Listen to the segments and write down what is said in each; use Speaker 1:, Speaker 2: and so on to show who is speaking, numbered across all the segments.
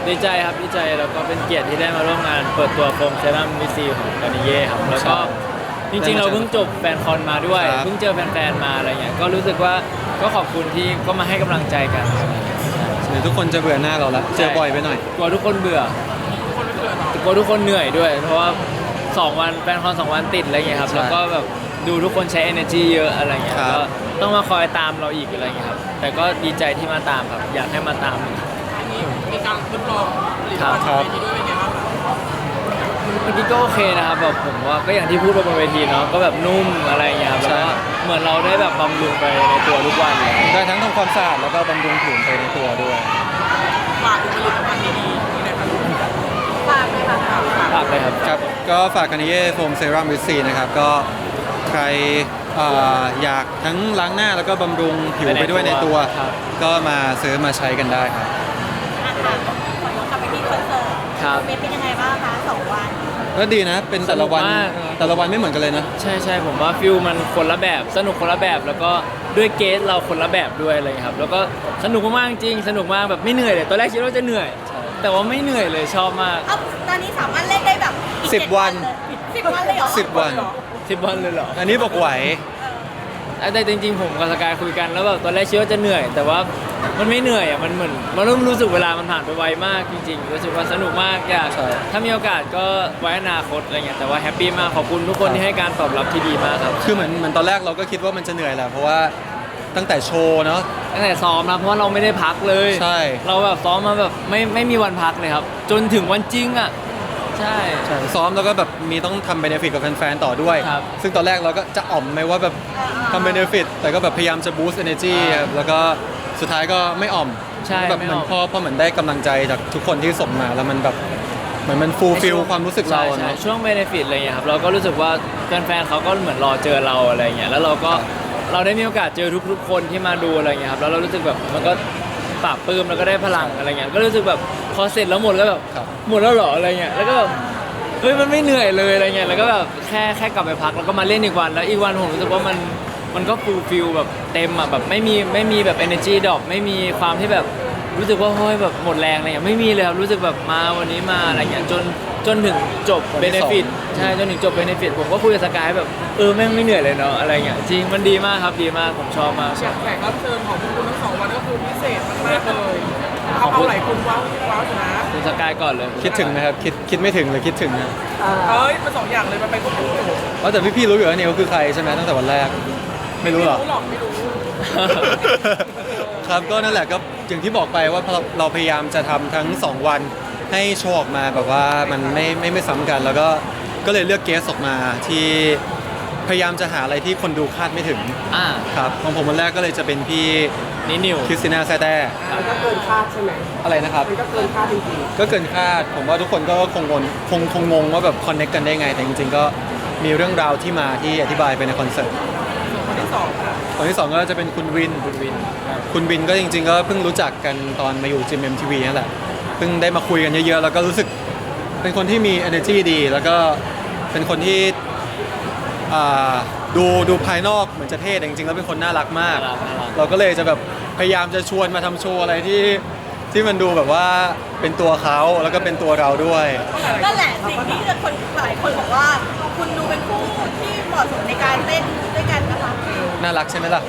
Speaker 1: ดีใจครับดีใจแล้วก็เป็นเกียรติที่ได้มาร่วมงานเปิดตัวโฟมเซรั่มวิซีของกานิเย่ครับแล้วก็จริงๆเราเพิ่งจบแฟนคอนมาด้วยเพิ่งเจอแฟนๆมาอะไรเงี้ยก็รู้สึกว่าก็ขอบคุณที่ก็มาให้กำลังใจกัน
Speaker 2: เดี๋ยวทุกคนจะเบื่อหน้าเราแล้วเจอบ่อยไปหน่อย
Speaker 1: กลัวทุกคนเบื่อกลัวทุกคนเหนื่อยด้วย เพราะว่า2วันแฟนคอน2วันติดอะไรเงี้ยครับแล้วก็แบบดูทุกคนใช้ energy เยอะอะไรเงี้ยก็ต้องมาคอยตามเราอีกอะไรเงี้ยครับแต่ก็ดีใจที่มาตามครับอยากให้มาตาม
Speaker 3: มีการทดลองผลิตภัณฑ์บนเวทีด้วยเป็นไงบ้างครับ
Speaker 1: เมื่อกี้ก็โอเคนะครับแบบผมว่าก็อย่างที่พูดไปบนเวทีเนาะก็แบบนุ่มอะไรอย่างเงี้ยครับแล้วก็เหมือนเราได้แบบบำรุงไปในตัวทุกวัน
Speaker 2: ได้ทั้งทำความสะอาดแล้วก็บำรุงผิวไปในตัวด้วย
Speaker 3: ฝากผลิตภัณฑ์ดีๆนี่นะครับ
Speaker 4: ฝากเลยค่ะ
Speaker 1: ฝากเลยครับ
Speaker 2: ครับก็ฝากกานิเย่โฟมเซรั่มวิตซีนะครับก็ใครอยากทั้งล้างหน้าแล้วก็บำรุงผิวไปด้วยในตัวก็มาซื้อมาใช้กันได้ครับ
Speaker 4: ขอย้อนกลับไปที่คอนเสิร์ตเป็นยังไงบ้างคะ2 วัน
Speaker 2: ก็ดีนะเป็นแต่ละวันไม่เหมือนกันเลยนะ
Speaker 1: ใช่ผมว่าฟิลมันคนละแบบสนุกคนละแบบแล้วก็ด้วยเกสเราคนละแบบด้วยอะไรครับแล้วก็สนุกมากจริงสนุกมากแบบไม่เหนื่อยเลยตอนแรกคิดว่าจะเหนื่อยแต่ว่าไม่เหนื่อยเลยชอบมาก
Speaker 4: ตอนนี้สามารถเล่นได้แบบ
Speaker 2: 10 วัน
Speaker 4: 10 วันเลยเหรอ
Speaker 2: 10 วัน
Speaker 1: 10 วันเลยเหรอ
Speaker 2: อันนี้บอกไหว
Speaker 1: แต่จริงๆผมกับสกายคุยกันแล้วแบบตอนแรกคิดว่าจะเหนื่อย แต่ว่ามันไม่เหนื่อยอ่ะมันเหมือนมันเริ่มรู้สึกเวลามันผ่านไปไวมากจริงๆรู้สึกว่าสนุกมากอยากถ้ามีโอกาสก็ไว้อนาคตอะไรเงี้ยแต่ว่าแฮปปี้มากขอบคุณทุกคนที่ให้การตอบรับที่ดีมากครับ
Speaker 2: คือเหมือนตอนแรกเราก็คิดว่ามันจะเหนื่อยแหละเพราะว่าตั้งแต่โชว์เนาะ
Speaker 1: ตั้งแต่ซ้อมนะเพราะว่าเราไม่ได้พักเลย
Speaker 2: ใช่
Speaker 1: เราแบบซ้อมมาแบบไม่มีวันพักเลยครับจนถึงวันจริงอ่ะใช่
Speaker 2: ซ้อมแล้วก็แบบมีต้องทำเบเนฟิตกับแฟนๆต่อด้วยซึ่งตอนแรกเราก็จะอ่อมไหมว่าแบบทำเบเนฟิตแต่ก็แบบพยายามจะบูสต์ energy ครับแล้วก็สุดท้ายก็ไม่อ่อมแบบเหมือนพอเหมือนได้กำลังใจจากทุกคนที่ส่งมาแล้วมันแบบเหมือนมันฟูลฟิลความรู้สึกเราเนาะ
Speaker 1: ช่วงเบเนฟิตอะไรเงี้ยครับเราก็รู้สึกว่าแฟนๆเขาก็เหมือนรอเจอเราอะไรเงี้ยแล้วเราได้มีโอกาสเจอทุกๆคนที่มาดูอะไรเงี้ยครับแล้วเรารู้สึกแบบมันก็ปราบปลื้มแล้วก็ได้พลังอะไรเงี้ยก็รู้สึกแบบพอเสร็จแล้วหมดก็แบบหมดแล้วเหรออะไรเงี้ยแล้วก็แบบเฮ้ยมันไม่เหนื่อยเลยอะไรเงี้ยแล้วก็แบบแค่กลับไปพักแล้วก็มาเล่นอีกวันแล้วอีกวันผมรู้สึกว่ามันก็ฟูลฟิลแบบเต็มอ่ะแบบไม่มีแบบ energy drop ไม่มีความที่แบบรู้สึกว่าเฮ้ยแบบหมดแรงอะไรเงี้ยไม่มีเลยครับรู้สึกแบบมาวันนี้มาอะไรเงี้ยจนถึงจบเบเนฟิตใช่จนถึงจบเบเนฟิตผมก็คุยกับสกายแบบแม่งไม่เหนื่อยเลยเนาะอะไรเงี้ยจริงมันดีมากครับดีมากผมชอบมาก
Speaker 3: แขกรับเชิญของพวกคุณทั้ง2 วันก็คือพิเศษมากๆเลยเอาหลายคนว้าวอยู่นะ
Speaker 1: คุณสกายก่อนเลย
Speaker 2: คิดถึงไหมครับคิดไม่ถึงหรือคิดถึงนะ
Speaker 3: มัน2 อย่างเลยมันไปควบคู่
Speaker 2: ว่าแต่พี่รู้อยู่ว่าเนี่ยเขาคือใครใช่ไหมตั้งแต่วันแรกไม่รู้หรอ
Speaker 3: ไม่รู้
Speaker 2: ครับก็นั่นแหละก็อย่างที่บอกไปว่าเราพยายามจะทำทั้ง2 วันให้โชว์ออกมาแบบว่ามันไม่ซ้ำกันแล้วก็เลยเลือกเกสออกมาที่พยายามจะหาอะไรที่คนดูคาดไม่ถึงครับของผมวันแรกก็เลยจะเป็นพี่
Speaker 1: นิว
Speaker 2: คริสติน่าแซแต้
Speaker 3: มันก็เกินคาดใช่ไหม
Speaker 2: อะไรนะครับ
Speaker 3: มันก็เกินคาดจริง
Speaker 2: ๆก็เกินคาดผมว่าทุกคนก็คงงงว่าแบบคอนเนคกันได้ไงแต่จริงๆก็มีเรื่องราวที่มาที่อธิบายไปในคอนเสิร์ต
Speaker 3: คนที่2
Speaker 2: ก็จะเป็นคุณวินก็จริงๆก็เพิ่งรู้จักกันตอนมาอยู่จิม MTV นั่นแหละเพิ่งได้มาคุยกันเยอะๆแล้วก็รู้สึกเป็นคนที่มี energy ดีแล้วก็เป็นคนที่ดูภายนอกเหมือนจะเท่แต่จริงๆแล้วเป็นคนน่ารักมากเราก็เลยจะแบบพยายามจะชวนมาทำโชว์อะไรที่มันดูแบบว่าเป็นตัวเขาแล้วก็เป็นตัวเราด้วย
Speaker 4: นั่นแหละสิ่งที่คนหลายคนบอกว่าคุณดูเป็นคู่ที่เหมาะสมในการเล่นด้วยกันนะคะ
Speaker 2: น่ารักใช่ไหมล่ะ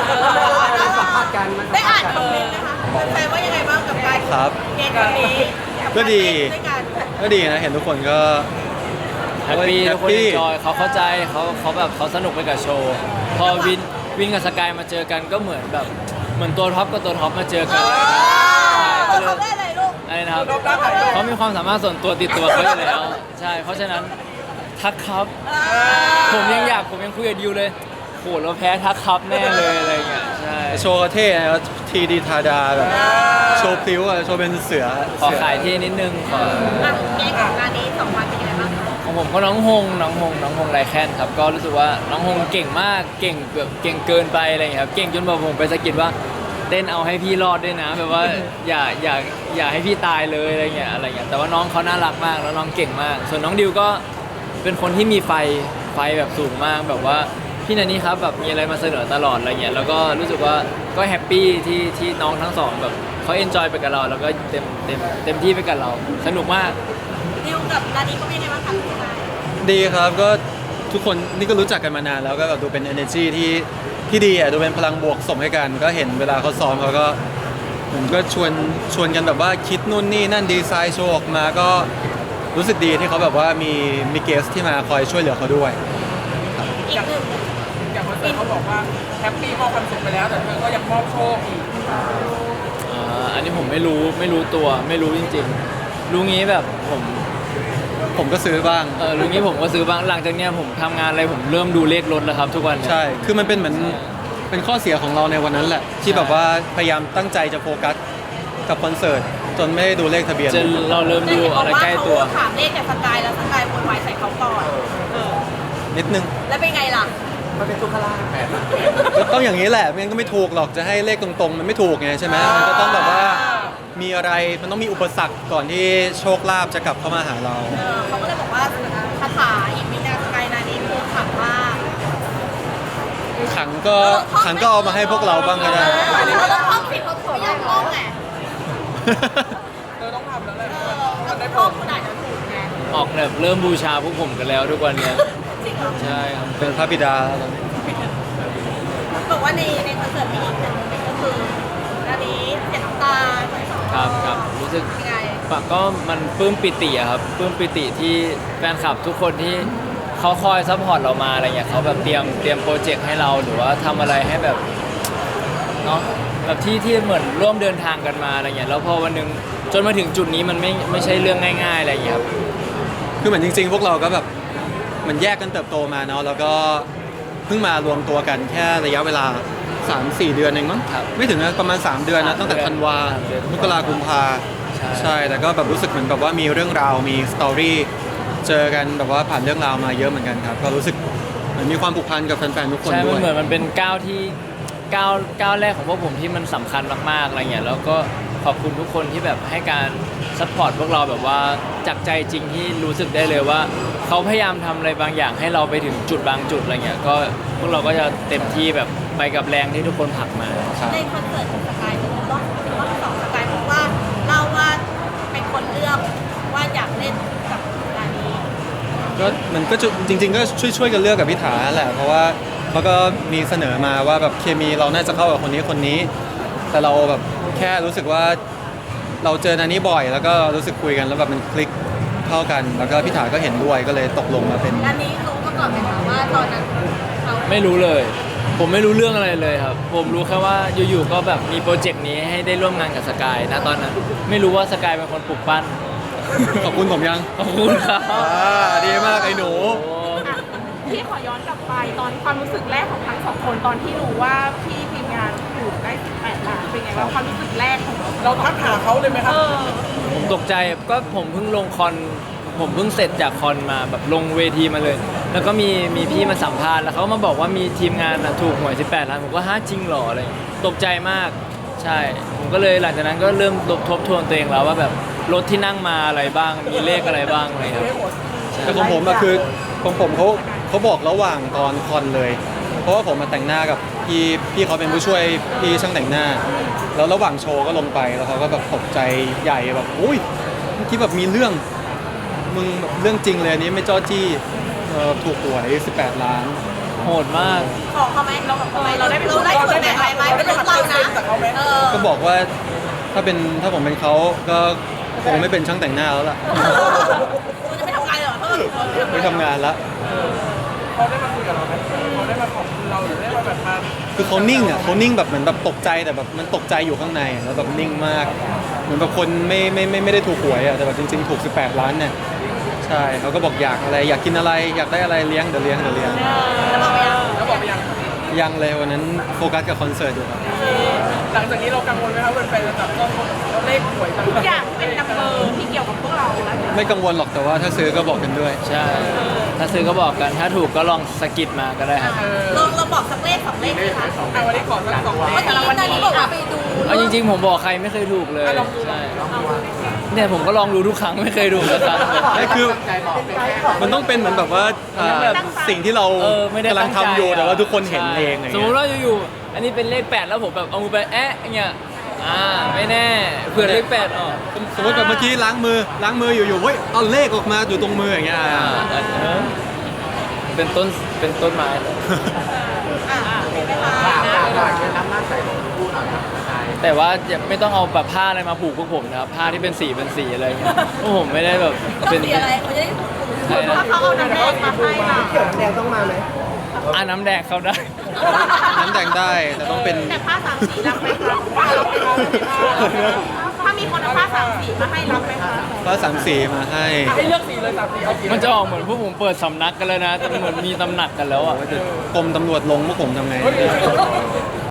Speaker 4: ได้อ่านคอมเมนต์นะคะแฟนว่ายังไงบ้างกับการเกมนี้
Speaker 2: ก็ดีนะเห็นทุกคนก็
Speaker 1: แฮปปี้ทุกคนจอยเขาเข้าใจเขาแบบเขาสนุกไปกับโชว์พอวินกับสกายมาเจอกันก็เหมือนตัวท็อปกับตัวท็อปมาเจอกัน
Speaker 4: เขาได้อะไรลูก
Speaker 1: อะไรนะครับเขามีความสามารถส่วนตัวติดตัวเขาอยู่แล้วใช่เพราะฉะนั้นทักครับผมยังคุยกับดิวเลยโหเราแพ้ทักครับแน่เลยอะไรเงี้ยใช่
Speaker 2: โชว์เท่นะทีดีทาดาแบบโชว์พลิ้วอะโชว์เป็นเสือ
Speaker 1: ขอขายที่นิดนึงขอ
Speaker 4: เกมของงานนี้2 วันเป็นยังไงบ้าง
Speaker 1: ของผมก็น้องฮงไรแคนครับก็รู้สึกว่าน้องฮงเก่งมากเก่งแบบเก่งเกินไปอะไรเงี้ยครับเก่งจนแบบผมไปสะกิดว่าเต้นเอาให้พี่รอดด้วยนะแบบว่าอย่าให้พี่ตายเลยอะไรเงี้ยแต่ว่าน้องเขาน่ารักมากแล้วน้องเก่งมากส่วนน้องดิวก็เป็นคนที่มีไฟแบบสูงมากแบบว่าพี่นันนี่ครับแบบมีอะไรมาเสนอตลอดอะไรเงี้ยแล้วก็รู้สึกว่าก็แฮปปี้ที่น้องทั้งสองแบบเขเขาเอนจอยไปกับเราแล้วก็เต็มที่ไปกับเรา สนุกมาก
Speaker 4: ดิวกับนานี้ก็เป็นยังไงบ้างคะคุณนาย
Speaker 2: ดีครับก็ทุกคนนี่ก็รู้จักกันมานานแล้วก็แบบดูเป็น energy ที่ดีอ่ะดูเป็นพลังบวกส่งให้กัน ก็เห็นเวลาเขาซ้อมเขาก็เหมือนก็ชวนกันแบบว่าคิดนู่นนี่นั่นดีไซน์โชว์ออกมาก็รู้สึกดีที่เขาแบบว่ามีเกสที่มาคอยช่วยเหลือเขาด้วย
Speaker 4: อีกหนึ่ง
Speaker 3: อย่างคอนเสิร์ตเขาบอกว่าแฮปปี้มอบความสุขไปแล้วแต่เธอก็ยังมอบโชคอีก
Speaker 1: อันนี้ผมไม่รู้ตัวไม่รู้จริงๆรู้งี้แบบผม
Speaker 2: ก็ซื้อบ้าง
Speaker 1: รู้งี้ผมก็ซื้อบ้างหลังจากเนี้ยผมทำงานอะไรผมเริ่มดูเลขรถแล้วครับทุกวันเนี่ย
Speaker 2: ใช่ คือมันเป็นเหมือนเป็นข้อเสียของเราในวันนั้นแหละ ที่แบบว่าพยายามตั้งใจจะโฟกัสกับคอนเสิร์ตจนไม่ได้ดูเลขทะเบียน
Speaker 1: จนเราเริ่มดูอะไรใกล้ตัว
Speaker 4: เขาถามเลขแต่สกายแล้วสกายโวยวายใส่เขาก่อน
Speaker 2: นิดนึง
Speaker 4: แล้วเป็นไงล่ะ
Speaker 3: มันเป็นตุกขลาแปดละ
Speaker 2: ก็ต้องอย่างนี้แหละไม่งั้นก็ไม่ถูกหรอกจะให้เลขตรงๆ มันไม่ถูกไงใช่ไหมมันก็ต้องแบบว่ามีอะไรมันต้องมีอุปสรรคก่อนที่โชคลาภจะกลับเข้ามาหาเรา
Speaker 4: เขาก็เลยบอกว่าคาถาอิมินาสกายนานี้คือขังมาก
Speaker 2: ขังก็เอามาให้พวกเราบ้างก็ได้
Speaker 4: เราต้องท่องผิดเขาไม่ยอมท่องไง
Speaker 3: เธอต้องทำแล้วแหละ
Speaker 4: เราต้องท่องคุณอาจจะถูกไง
Speaker 1: ออกแบบเริ่มบูชาพวกผมกันแล้วทุกวันเนี้ย
Speaker 4: จริงเหรอ
Speaker 1: ใช่ครับ
Speaker 2: เป็นพระบิดาแล้วตอนนี้
Speaker 4: บอกว่าในคอนเสิร์ตมีอีกหนึ่งโมเมนต์ก็คือนานี้เสียน้ำตา
Speaker 1: ครับรู้สึก
Speaker 4: ยังไง
Speaker 1: ปะก็มันปลื้มปิติอะครับปลื้มปิติที่แฟนคลับทุกคนที่เขาคอยซัพพอร์ตเรามาอะไรเงี้ยเขาแบบเตรียมโปรเจกต์ให้เราหรือว่าทำอะไรให้แบบเนาะแบบที่เหมือนร่วมเดินทางกันมาอะไรเงี้ยแล้วพอวันหนึงจนมาถึงจุดนี้มันไม่ใช่เรื่องง่ายๆอะไรเงี้ยครับ
Speaker 2: คือเหมือนจริงๆ พวกเราก็แบบเหมันแยกกันเติบโตมาเนาะแล้วก็เพิ่งมารวมตัวกันแค่ระยะเวลา 3-4 เดือนเองมั้ง
Speaker 1: ครับ
Speaker 2: ไม่ถึงนะประมาณ 3 เดือนนะตั้งแต่ธันวา
Speaker 1: 3 เดือน
Speaker 2: มกรากุมภา ใช่แต่ก็แบบรู้สึกเหมือนแบบว่ามีเรื่องราวมีสตอรี่เจอกันแบบว่าผ่านเรื่องราวมาเยอะเหมือนกันครับก็รู้สึกเหมือนมีความผูกพันกับแฟนๆทุกคน
Speaker 1: ใช่
Speaker 2: ด้
Speaker 1: มั
Speaker 2: วน ย
Speaker 1: เหมือนมันเป็นก้าวแรกของพวกผมที่มันสำคัญมากๆอะไรเงี้ยแล้วก็ขอบคุณทุกคนที่แบบให้การซัพพอร์ตพวกเราแบบว่าจากใจจริงที่รู้สึกได้เลยว่าเขาพยายามทำอะไรบางอย่างให้เราไปถึงจุดบางจุดอะไรเงี้ยก็พวกเราก็จะเต็มที่แบบไปกับแรงที่ทุกคนผลักมา
Speaker 2: ครับ
Speaker 4: ในคอนเสิร์ตของสกายเป็นรอบสองสกายบอกว่าเล่าว่าเป็นคนเลือกว่าอยากเล่นกับนานี้
Speaker 2: ก็มันก็จะจริง ๆ ก็ช่วยกันเลือกกับพิธาแหละเพราะว่าเขาก็มีเสนอมาว่าแบบเคมีเราน่าจะเข้ากับคนนี้ แต่เราแบบแค่รู้สึกว่าเราเจอนานี้บ่อย แล้วก็รู้สึกคุยกันแล้วแบบมันคลิกเข้ากัน แล้วก็พิธาก็เห็นด้วยก็เลยตกลงมาเป็น
Speaker 4: นานี้รู้มาก่อนไหมคะว่าตอนนั้นเขา
Speaker 1: ไม่รู้เลย ผมไม่รู้เรื่องอะไรเลยครับ ผมรู้แค่ว่าอยู่ๆก็แบบมีโปรเจกต์นี้ให้ได้ร่วมงานกับสกายนะตอนนั้นไม่รู้ว่าสกายเป็นคนปลุกปั้น
Speaker 2: ขอบคุณผมยัง
Speaker 1: ขอบคุณครับ
Speaker 2: ดีมากไอ้หนู
Speaker 1: โอ้
Speaker 5: พี่ขอย้อนกลับไปตอนความรู้สึกแรกของทั้งสองคนตอนที่รู้ว่าพี่ทีมงานถูกได้18 ล้านเป็นไงบ้างความรู้สึกแรกของเรา
Speaker 3: เราทักหาเขาเลยไหมครับ
Speaker 1: ผมตกใจก็ผมเพิ่งลงคอนผมเพิ่งเสร็จจากคอนมาแบบลงเวทีมาเลย แล้วก็มีพี่มาสัมภาษณ์แล้วเขามาบอกว่ามีทีมงานน่ะถูกหวย18 ล้านผมก็ฮะจริงเหรออะไรอย่างเงี้ยตกใจมากใช่ผมก็เลยหลังจากนั้นก็เริ่มทบทวนตัวเองแล้วว่าแบบรถที่นั่งมาอะไรบ้างมีเลขอะไรบ้างอะไรครับ
Speaker 2: แต่ของผมอะคือของผมเขาบอกระหว่างตอนคอนเลย เพราะว่าผมมาแต่งหน้ากับพี่เขาเป็นผู้ช่วยพี่ช่างแต่งหน้า แล้วระหว่างโชว์ก็ลงไปแล้วเขาก็แบบตกใจใหญ่แบบอุ้ยเมื่อกี้แบบมีเรื่องมึงแบบเรื่องจริงเลยอันนี้ไม่จ้อจี้ถูกหวย18 ล้าน
Speaker 1: โหดมาก
Speaker 4: ขอเขาไหมเราได้ส่วนแบ่งอะไรไหมเป็นรถเรานะ
Speaker 2: ก็บอกว่าถ้าผมเป็นเขาก็คงไม่เป็นช่างแต่งหน้าแล้วล่ะ
Speaker 4: คุณจะไม่ทำงานเหรอเออ
Speaker 2: ไม่ทำงานละ
Speaker 3: เขาได้มาคุยกับเราไหมเขาได้มาขอบคุณเราหรือได้มาแบบมา
Speaker 2: คือเขานิ่งอ่ะเขานิ่งแบบเหมือนแบบตกใจแต่แบบมันตกใจอยู่ข้างในอะแล้วแบบนิ่งมาก เหมือนแบบคนไม่ได้ถูกหวยอ่ะแต่แบบจริงๆถูก18 ล้านเนี่ยใช่เขาก็บอกอยากอะไรอยากกินอะไรอยากได้อะไรเลี้ยงเดี๋ยวเลี้ยง
Speaker 4: แล้วบอกไปยัง
Speaker 3: แล้วบอกไปยัง
Speaker 2: ยังเลยวันนั้นโฟกัสกับคอนเสิร์ตอยู่ครับ
Speaker 3: หลังจากนี้เรากังวลไหมครับแฟนๆจะจับต้องเราเลขหวยต่าง
Speaker 5: ทุกอย่างที่เป็นนัมเบอร์ที่เกี่ยวกับพวกเราแล้ว
Speaker 2: ไม่กังวลหรอกแต่ว่าถ้าซื้อก็บอกกันด้วย
Speaker 1: ใช่ถ้าซื้อก็บอกกันถ้าถูกก็ลองสะกิดมาก็ได้ครับ
Speaker 4: เราบอกสักเลขสองเลขไหมคะ
Speaker 3: วันนี้ขอสัก2 เล
Speaker 4: เมื่อ
Speaker 3: ข
Speaker 4: กี้นานี้บอกว่าไปดู
Speaker 1: เอาจริงๆผมบอกใครไม่เคยถูกเลยใช่เนี่ยผมก็ลองดูทุกครั้งไม่เคยถูกสักครั้ง
Speaker 2: นี่คือมันต้องเป็นเหมือนแบบว่าสิ่งที่เรา
Speaker 1: ไม่ได้
Speaker 2: กำลัง
Speaker 1: ตั้งใจ
Speaker 2: ทำอยู่แต่ว่าทุกคนเห็นเอง
Speaker 1: สมมติว่าอยู่ๆอันนี้เป็นเลข8แล้วผมแบบเอามือไปแอะอย่างเงี้ยไม่แน่เผื่อเลขแปดออก
Speaker 2: สมมติแบบเมื่อกี้ล้างมืออยู่ๆเฮ้ยเอาเลขออกมาอยู่ตรงมืออย่างเงี้ย
Speaker 1: เป็นต้นไม้เลย
Speaker 4: เป็นไหมคะ
Speaker 1: แต่ว่าอย่าไม่ต้องเอาแบบผ้าอะไรมาผูกพวกผมนะครับผ้าที่เป็นสีอะไรเงี้ยพวกผมไม่ได้แบบ
Speaker 4: ต้อง
Speaker 1: เป็น
Speaker 4: สีอะไรเขาจะได้ถูก
Speaker 1: ใช่นะ
Speaker 5: ถ้าเขาเอาน้ำแดงมาให้ล่ะ
Speaker 1: น้ำแดงเข้าได้
Speaker 2: น้ำแดงได้แต่ต้องเป็น
Speaker 5: แต่ผ้าสามสีรับไหมคะถ้ามีคนเอาผ้าสามสีมาให้รับไหมคะ
Speaker 2: ฟ้าสามสีมาให้
Speaker 3: ให้เลือกสีเลย3 สีเอาสี
Speaker 1: มันจะออกเหมือนพวกผมเปิดสำนักกันเลยนะแต่เหมือนมีตำหนักกันแล้วอ่ะ
Speaker 2: กรมตำรวจลงพวกผมทำไง